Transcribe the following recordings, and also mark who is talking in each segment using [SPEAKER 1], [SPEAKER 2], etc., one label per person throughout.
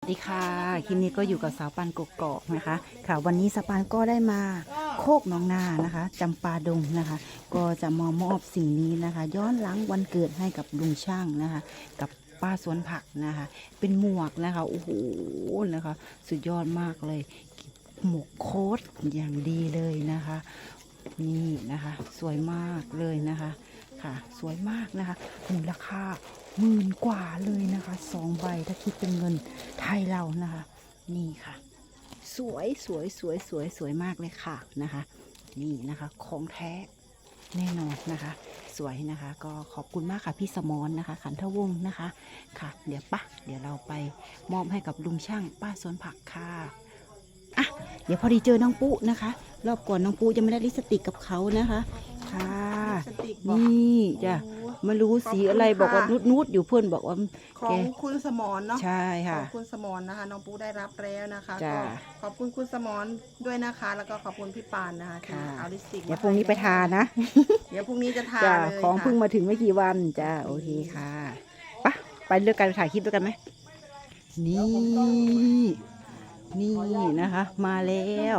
[SPEAKER 1] สวัสดีค่ะคลิปนี้ก็อยู่กับสาวปานกกอกนะคะค่ะวันนี้สาวปานก็ได้มาโคกหนองนานะคะจำปาดงนะคะ ก็จะมามอบสิ่งนี้นะคะ ย้อนหลังวันเกิดให้กับลุงช่างนะคะ กับป้าสวนผักนะคะ เป็นหมวกนะคะโอ้โหนะคะสุดยอดมากเลยหมวกโค้ทอย่างดีเลยนะคะ นี่นะคะสวยมากเลยนะคะค่ะสวยมากนะคะมูลค่า10,000 กว่าเลยนะคะ2 ใบถ้าคิดเป็นเงินไทยเรานะคะนี่ค่ะสวยสวยสวยสวยสวยมากเลยค่ะนะคะนี่นะคะของแท้แน่นอนนะคะสวยนะคะก็ขอบคุณมากค่ะพี่สมรนะคะขันทวงศ์นะคะค่ะเดี๋ยวเราไปมอบให้กับลุงช่างป้าสวนผักค่ะอ่ะเดี๋ยวพอดีเจอน้องปุ๊นะคะรอบก่อนน้องปุ๊ยังไม่ได้ลิปสติกกับเขานะคะค่ะนี่จ้ะไม่รู้สีอะไรบอกว่านุดอยู่เพื่อนบอกว่า
[SPEAKER 2] ของคุณสมรเนาะ
[SPEAKER 1] ใช่
[SPEAKER 2] ข
[SPEAKER 1] ค่ะ
[SPEAKER 2] องคุณสมรนะคะน้องปูได้รับแล้วนะคะ
[SPEAKER 1] จ้ะ
[SPEAKER 2] ก็ขอบคุณคุณสมรด้วยนะคะ แล้วก็ขอบคุณพี่ปานนะคะที่
[SPEAKER 1] ค่ะ
[SPEAKER 2] เอาลิปสติก
[SPEAKER 1] เดี๋ยวพรุ่งนี้ไปทานะ
[SPEAKER 2] เดี๋ยวพรุ่งนี้จะทา
[SPEAKER 1] จ้ะ
[SPEAKER 2] เลย
[SPEAKER 1] ของ
[SPEAKER 2] ค่ะ
[SPEAKER 1] เพิ่งมาถึงไม่กี่วันจ้าโอเคค่ะไปเลือกกันถ่ายคลิปด้วยกันไหมนี่นะคะ มาแล้ว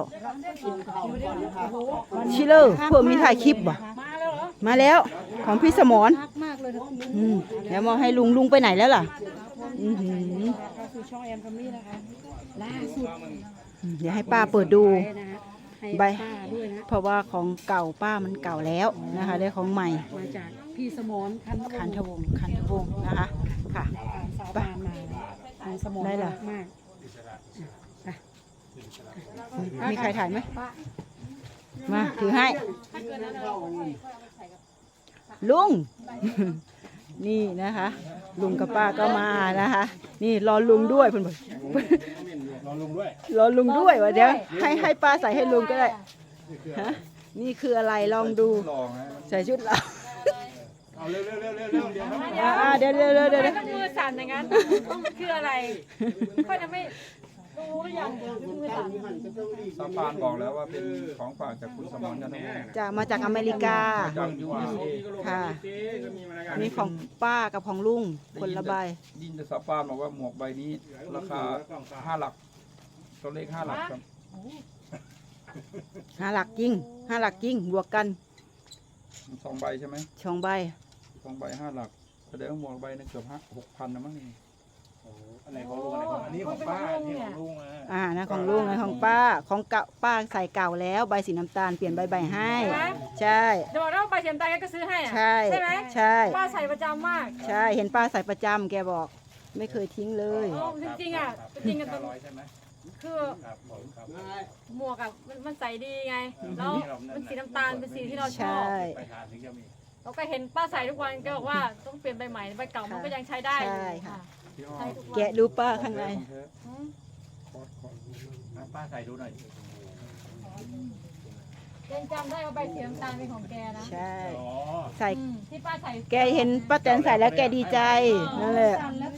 [SPEAKER 1] ชิลเลอร์เพิ่มมีถ่ายคลิปบ่มาแล้วของพี่สมรเดี๋ยวมองให้ลุงไปไหนแล้วล่ะอื้อหือ
[SPEAKER 3] สู่ช่องแอมคัมมี่นะคะล่าสุด
[SPEAKER 1] เดี๋ยวให้ป้าเปิดดู
[SPEAKER 3] ให้
[SPEAKER 1] ใบ
[SPEAKER 3] ป้าด้วยนะ
[SPEAKER 1] เพราะว่าของเก่าป้ามันเก่าแล้วนะคะ ได้ของใหม่
[SPEAKER 3] มาจากพี่สมรคันทวงศ์
[SPEAKER 1] คันทวงศ์นะคะค่ะ
[SPEAKER 3] สาวปานมาของสมร
[SPEAKER 1] ได้เหรอ
[SPEAKER 3] มาก
[SPEAKER 1] มีใครถ่ายไหมมาถือให้ ลุง นี่นะคะ ลุงกับป้าก็มานะคะ นี่รอลุงด้วยเพื่อนรอลุงด้วยวะเดี๋ยวให้ป้าใส่ให้ลุงก็ได้ฮะนี่คืออะไรลองดูใส่ชุดเรา
[SPEAKER 4] เอาเร็วเดี๋ยว
[SPEAKER 1] เดี๋ยว
[SPEAKER 5] ต้องมือสั่นอย่างนั้นคืออะไรค่อยจะไม่รู้หรือยังมือสั่น
[SPEAKER 4] ซาปานบอกแล้วว่าเป็นของฝากจากคุณสมรกันทั้งหมด
[SPEAKER 1] จะมาจากอเมริกา
[SPEAKER 4] จาก USA
[SPEAKER 1] ค่ะนี่ของป้ากับของลุงคนละใบ
[SPEAKER 4] ยินแต่ซาปานบอกว่าหมวกใบนี้ราคา5 หลักตัวเลข5 หลักครับ
[SPEAKER 1] 5 หลักจริง5 หลักจริงบวกกัน
[SPEAKER 4] 2 ใบใช่ไหม
[SPEAKER 1] 2 ใบ
[SPEAKER 4] 2 ใบ 5 หลักแสดงว่าหมวกใบนึงเกือบ6,000นะมั้งนี่
[SPEAKER 6] อันไหนของลุงอันไหนของอันนี้ของป้าอันนี้ของลุงอ่ะ
[SPEAKER 1] นะของลุงนะของป้าของเก่าป้าใส่เก่าแล้วใบสีน้ำตาลเปลี่ยนใบให้ ใช่
[SPEAKER 5] เดี๋ยวบอกว่าใบเทียมตาแกก็ซื้อให้อะ
[SPEAKER 1] ใช่
[SPEAKER 5] ใช่ไหม
[SPEAKER 1] ใช่
[SPEAKER 5] ป้าใส่ประจำมาก
[SPEAKER 1] ใช่เห็นป้าใส่ประจำแกบอกไม่เคยทิ้งเลย
[SPEAKER 5] จริงๆอ่ะจริงๆกัน
[SPEAKER 6] ร้อยใช่ไหม
[SPEAKER 5] คือ
[SPEAKER 6] ครับผมครับ
[SPEAKER 5] หมวกอ่ะมันใส่ดีไงแล้วมันสีน้ำตาลเป็นสีที่เราช
[SPEAKER 1] ใช่
[SPEAKER 5] อบ
[SPEAKER 6] ไปทานถึงจะมี
[SPEAKER 5] เราก็เห็นป้าใส่ทุกวันก็บอกว่าต้องเปลี่ยนใบใหม่ใบเก่ามันก็ยังใช้ได้อยู่
[SPEAKER 1] ใช่ค่ะ
[SPEAKER 4] พี่อ้อ
[SPEAKER 5] ใช้ทุกวัน
[SPEAKER 1] แกะดูป้าข้างใน
[SPEAKER 4] ของแท้
[SPEAKER 5] อืม
[SPEAKER 6] ป้าใส่ดูหน่อย
[SPEAKER 5] ยังจำได้ว่าใบสีน้ำตาลเป็นของแกนะ
[SPEAKER 1] ใช่
[SPEAKER 6] อ๋อ
[SPEAKER 1] ใส่
[SPEAKER 5] ที่ป้าใส่
[SPEAKER 1] แกเห็นป้าแตนใส่แล้วแกดีใจนั่นแหละ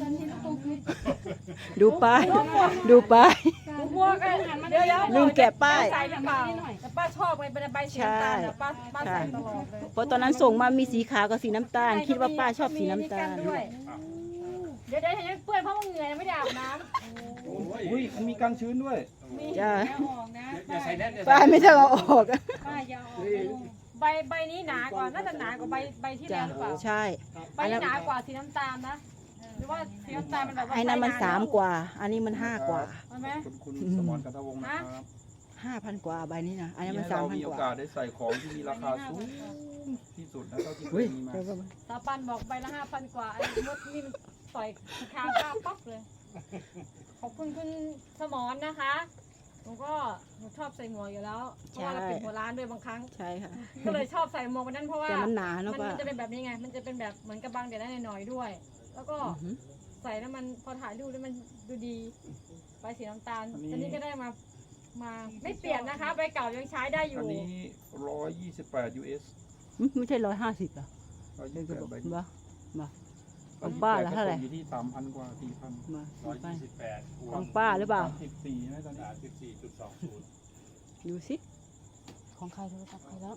[SPEAKER 1] ดูป้ายดูป้าย
[SPEAKER 5] หมวกอะเดี๋ยว
[SPEAKER 1] ลืมแกะป้าย
[SPEAKER 5] ใส่หรือเปล่าแต่ป้าชอบไงเป็นใบสีน้ำตาลอะป้าใส่ตลอดเลย
[SPEAKER 1] เพราะตอนนั้นส่งมามีสีขาวกับสีน้ำตาล คิดว่าป้าชอบสีน้ำตาล
[SPEAKER 5] ด้วยเดี๋ยวยังเปื้อนเพราะว่าเหงื่อยังไม่ได้อาบน้
[SPEAKER 4] อุ้ยมันมีกันชื้นด้วย
[SPEAKER 1] จ้า
[SPEAKER 6] อย่าใส่แน่นอย่า
[SPEAKER 1] ป้า
[SPEAKER 6] ใส่
[SPEAKER 1] ไม่ต้องเอาออก
[SPEAKER 5] ำใบนี้หนากว่าน่าจะหนากว่าใบที่
[SPEAKER 1] จ้า
[SPEAKER 5] แล้วหรือเปล่า
[SPEAKER 1] ใช่
[SPEAKER 5] ใบนี้หนากว่าสีน้ำตาลนะหรือว่าสีน้ำตาลมันแบบว่า
[SPEAKER 1] ไอ้นั้นมัน
[SPEAKER 5] ใช้
[SPEAKER 1] 3 กว่า อันนี้มัน5 กว่า
[SPEAKER 5] ใช่ไหม
[SPEAKER 4] คุณสมรกันทวงศ์นะครับ
[SPEAKER 1] 5,000 กว่าใบนี้นะอันนี้มัน
[SPEAKER 4] ให้เรามี
[SPEAKER 1] 3,000
[SPEAKER 4] โอก
[SPEAKER 1] ว่า
[SPEAKER 4] าสได้ใส่ของที่มีราคาสูงที่สุดนะเท่าที่เค
[SPEAKER 1] เฮ้
[SPEAKER 4] ย
[SPEAKER 1] ย
[SPEAKER 4] มีมา
[SPEAKER 1] เดี๋ยวก่อน
[SPEAKER 5] ตาปันบอกใบละ5,000 กว่าไอ้มดนี่มันต่อยคาข้าปั๊บเลยขอบคุณคุณสมรนะคะหนูชอบใส่หมวกอยู่แล้วเพราะว่าเราปิดหัวร้านด้วยบางครั้ง
[SPEAKER 1] ใช่ค่ะ
[SPEAKER 5] ก็เลยชอบใส่หมวกวันนั้นเพราะว่า
[SPEAKER 1] แต่มันหนาเนาะ
[SPEAKER 5] มัน
[SPEAKER 1] ป้า
[SPEAKER 5] จะเป็นแบบนี้ไง มันจะเป็นแบบเหมือนกระบังเดี๋ยวได้หน่อยๆด้วย แล้วก็
[SPEAKER 1] อือหือ
[SPEAKER 5] ใส่แล้วมันพอถ่ายรูปแล้วมันดูดีใบสีน้ำตาล
[SPEAKER 4] อันนี้
[SPEAKER 5] ตอนนี้ก็ได้มาไม่เปลี่ยนนะคะใบเก่ายังใช้ได้อ
[SPEAKER 4] อั
[SPEAKER 5] ยู่
[SPEAKER 4] นนี้128 US
[SPEAKER 1] ไม่ใช่150อ่ะ
[SPEAKER 4] 128ใบ
[SPEAKER 1] บ้าบ้า ของป้าละเท่าไหร่
[SPEAKER 4] อยู่ที่ 3,000 กว่า 4,000
[SPEAKER 1] มา
[SPEAKER 6] 128
[SPEAKER 1] ของป้าหรือเปล่า
[SPEAKER 4] 34ใช่ไหมตอนนี้
[SPEAKER 6] 34.20
[SPEAKER 1] ดูสิของใครโทรศัพท์ใครแล้ว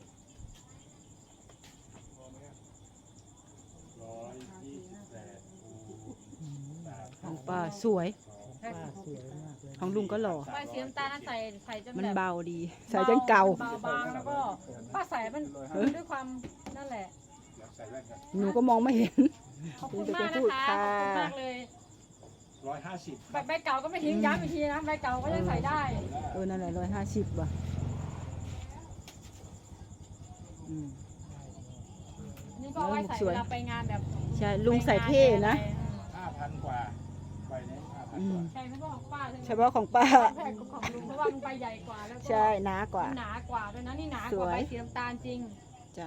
[SPEAKER 6] 128คูณ
[SPEAKER 1] ป้าสวย ของลุงก็หล่อ
[SPEAKER 5] ใบสีน้ำตาลนั้นใส่จน
[SPEAKER 1] มัน
[SPEAKER 5] แบบ
[SPEAKER 1] เบาดี ใส่จนเก่า
[SPEAKER 5] เบาบางแล้วก็ป้าใส่มันด้วยความนั่นแหละ
[SPEAKER 6] ใส่แว่นกัน
[SPEAKER 1] หนูก็มองไม่เห็น
[SPEAKER 5] ขอบคุณมากนะคะขอบคุณมากเลย
[SPEAKER 6] 150
[SPEAKER 5] ใบเก่าก็ไม่ทิ้งย้ำอีกทีนะใบเก่าก็ยังใส่ได้
[SPEAKER 1] นั่นแหละ150ว่ะอืม
[SPEAKER 5] นี่ก็เอาไว้ใส่เวลาไปงานแบบ
[SPEAKER 1] ใช่ลุงใส่เท่นะ
[SPEAKER 6] 5,000 กว่าใบนี้
[SPEAKER 1] อื
[SPEAKER 6] 5,000 ก
[SPEAKER 1] ม
[SPEAKER 6] ว่า
[SPEAKER 5] ใช่ไม่ใช่ของป้าใช่ไหม
[SPEAKER 1] เฉพาะของป้า
[SPEAKER 5] แพงกว่าของลุงเพราะว่ามันใบใหญ่กว่าแล้วก็
[SPEAKER 1] ใช่หนากว่า
[SPEAKER 5] หนากว่าด้วยนะนี่หนาก
[SPEAKER 1] ส
[SPEAKER 5] ว่า
[SPEAKER 1] วย
[SPEAKER 5] ใบสีน้ำตาลจริง
[SPEAKER 1] จ้ะ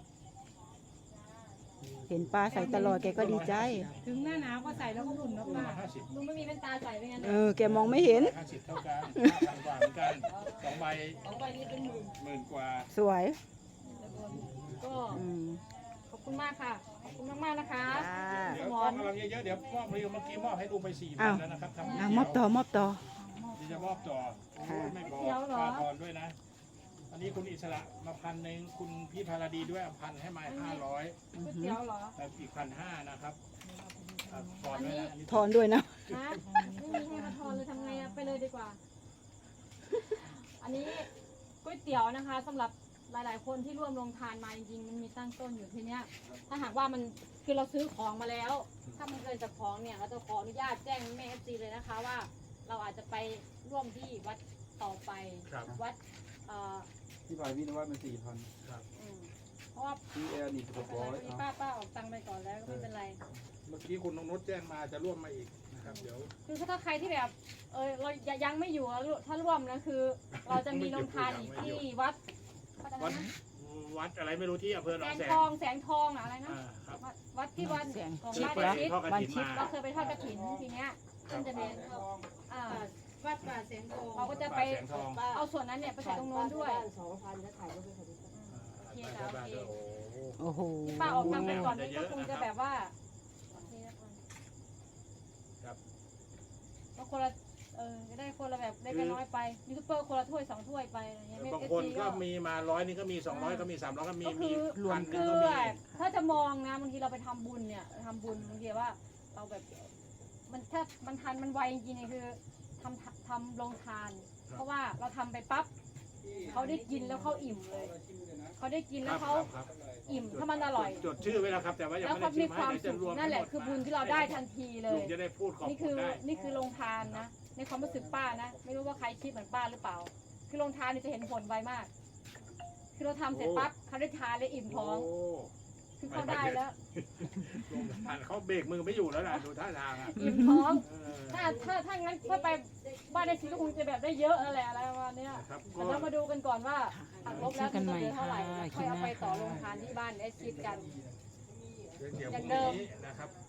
[SPEAKER 1] เห็นป้าใส่ตลอดแกก็ดีใจ
[SPEAKER 3] ถึงหน้าหนาวก็ใส่แล้วก็อุ่นแล้วป้า
[SPEAKER 5] ลุงไม่มีแว่นตาใส่เป็นไง
[SPEAKER 1] แกมองไม่เห็น
[SPEAKER 6] 50 เท่ากัน 5,000 กว่าเหมือนกัน2ใบ
[SPEAKER 5] ของใบนี้เป็นหมื่น
[SPEAKER 6] หมื่นกว่า
[SPEAKER 1] สวย
[SPEAKER 5] ก็
[SPEAKER 1] อืม
[SPEAKER 5] ขอบคุณมากค่ะขอบคุณมากๆนะคะ
[SPEAKER 1] จ้า
[SPEAKER 6] เดี๋ยวมอบกำลังเยอะๆเดี๋ยวมอบเมื่อกี้มอบให้ลุงไป
[SPEAKER 1] อ้าว
[SPEAKER 6] 4,000แล้วนะครับทำ
[SPEAKER 1] มอบต่อ
[SPEAKER 6] เดี๋ยวจะมอบต่อโอ้ยไม่พอค่าทอนด้วยนะ อันนี้คุณอิสระมา1,000คุณพี่พาราดีด้วย1,000ให้มา500
[SPEAKER 5] ก๋วยเตี๋ยวเหรอ
[SPEAKER 6] แล้วอีก1,500นะครับทอนด้วยนะอันนี้
[SPEAKER 1] ทอนด้วยนะ
[SPEAKER 5] ฮะไม่มีให้มาทอนเลยทำไงอะไปเลยดีกว่า อันนี้ก๋วยเตี๋ยวนะคะสำหรับหลายๆคนที่ร่วมลงทานมาจริงๆมันมีตั้งต้นอยู่ทีเนี้ย ถ้าหากว่ามันคือเราซื้อของมาแล้ว ถ้ามันเกินจากของเนี่ยเราจะขออนุญาตแจ้งแม่FCเลยนะคะว่า เราอาจจะไปร่วมที่วัดต่อไป
[SPEAKER 6] ครับ
[SPEAKER 5] วัด
[SPEAKER 4] ที่ฝ่ายพี่นวัดมัน4,000
[SPEAKER 5] อืมเพราะว่า
[SPEAKER 4] พี่แอร์นี่
[SPEAKER 5] มีป้าออกตังค์ไปก่อนแล้วก็ไม่เป็นไร
[SPEAKER 6] เมื่อกี้คุณนงนุชแจ้งมาจะร่วมมาอีกนะครับเดี๋ยว
[SPEAKER 5] คือถ้าใครที่แบบเรายังไม่อยู่อะถ้าร่วมนะคือ เราจะมีโรงทานอีกที่วัดอะไร
[SPEAKER 6] วัด
[SPEAKER 5] นะ
[SPEAKER 6] วัดอะไรไม่รู้ที่อำเภอหน
[SPEAKER 5] แส
[SPEAKER 6] อง
[SPEAKER 5] ง
[SPEAKER 6] แสง
[SPEAKER 5] ทองแสงทองอะอะไรนะ
[SPEAKER 6] ครับ
[SPEAKER 5] วัดที่วัด
[SPEAKER 1] แสง
[SPEAKER 5] ของ
[SPEAKER 6] ที่
[SPEAKER 5] บ้าน
[SPEAKER 6] ไป
[SPEAKER 5] อาทิตย์
[SPEAKER 6] ทอดกระถินมา
[SPEAKER 5] เราเคยไปทอดกระถินทีเนี้ยมันจะเป็นอ่า
[SPEAKER 3] วัดป่าแสงทอง
[SPEAKER 5] เราก็จะไป
[SPEAKER 6] แสงทอง
[SPEAKER 5] เอาส่วนนั้นเนี่ยไปใส่ตรงโน้นด้วย
[SPEAKER 6] ไป
[SPEAKER 5] โอเค
[SPEAKER 6] ไป
[SPEAKER 5] ค่ะ
[SPEAKER 6] บ้าน
[SPEAKER 5] โอเค
[SPEAKER 6] ด้วยโอ้โห
[SPEAKER 1] โอ้โห
[SPEAKER 5] ป้าออกตังค์ไปก่อนนี่ก็คงจะแบบว่าโอเคนะ
[SPEAKER 6] ครับ
[SPEAKER 5] ก็คนละจะได้คนละแบบได้กันน้อยไปยูทูบเบอร์คนละถ้วย2 ถ้วยไปอะไรเงี้ย
[SPEAKER 6] บางคนก็มีมา100นี่ก็มี200ก็มี300ก็มี
[SPEAKER 5] ก็คือ
[SPEAKER 1] รวม
[SPEAKER 6] 1,000
[SPEAKER 5] คื
[SPEAKER 6] ก็
[SPEAKER 5] อ
[SPEAKER 6] มี
[SPEAKER 5] ถ้าจะมองนะบางทีเราไปทำบุญเนี่ยทำบุญบางทีว่าเราแบบมันถ้ามันทันมันไวจริงๆเนี่ยคือทำโรงทาน เพราะว่าเราทำไปปั๊บเขาได้กินแล้วเขาอิ่มเลยเขาได้กิน
[SPEAKER 6] ค
[SPEAKER 5] แล้
[SPEAKER 6] รั
[SPEAKER 5] ว
[SPEAKER 6] บ
[SPEAKER 5] เขา
[SPEAKER 6] ครับ
[SPEAKER 5] อิ่มถ้ามันอร่อย
[SPEAKER 6] จดชื่อไว้แล้วครับแต่ว่ายัง
[SPEAKER 5] แล้ว
[SPEAKER 6] ไม่
[SPEAKER 5] เขา
[SPEAKER 6] ได้ชิ
[SPEAKER 5] มี
[SPEAKER 6] ม
[SPEAKER 5] ค
[SPEAKER 6] ให้
[SPEAKER 5] วาม
[SPEAKER 6] เดี๋ยว
[SPEAKER 5] สุ
[SPEAKER 6] จะ
[SPEAKER 5] ข
[SPEAKER 6] รวม
[SPEAKER 5] นั่นแหละคือบุญที่เราได้ทันทีเล
[SPEAKER 6] ลุ
[SPEAKER 5] ย
[SPEAKER 6] งจะได้พูดของ
[SPEAKER 5] นี่คือ
[SPEAKER 6] ได้
[SPEAKER 5] นี่คือโรงทานนะ ในความรู้สึกป้านะ ไม่รู้ว่าใครคิดเหมือนป้าหรือเปล่า คือโรงทานนี่จะเห็นผลไวมาก คือเราทำเสร็จปั๊บเขาได้ทานเลยอิ่มท้อง
[SPEAKER 6] โอ้
[SPEAKER 5] คือเขาได้แล้ว
[SPEAKER 6] ลุงทานเขาเบรกมือไม่อยู่แล้วนะดูท่าทางอ่ะ
[SPEAKER 5] อิ่มท้อง
[SPEAKER 6] เออ
[SPEAKER 5] ถ้างั้นถ้าไปบ้านในชีวิตก็คงจะแบบได้เยอะอะไรอะไรประมาณเนี้ย
[SPEAKER 6] ครับ
[SPEAKER 5] แต่เรามาดูกันก่อนว่าหักลบแล้ว
[SPEAKER 1] เจอกันใหม่
[SPEAKER 5] จะเหลือเท่าไหร่
[SPEAKER 1] ค่ะ
[SPEAKER 5] ค่อยเอาไปต่อโรงทานที่บ้านได้คิดกัน
[SPEAKER 6] เดี๋ยว
[SPEAKER 5] อย่าง
[SPEAKER 6] พ
[SPEAKER 5] เดิ
[SPEAKER 6] รุ่ง
[SPEAKER 5] ม
[SPEAKER 6] นี้นะครับ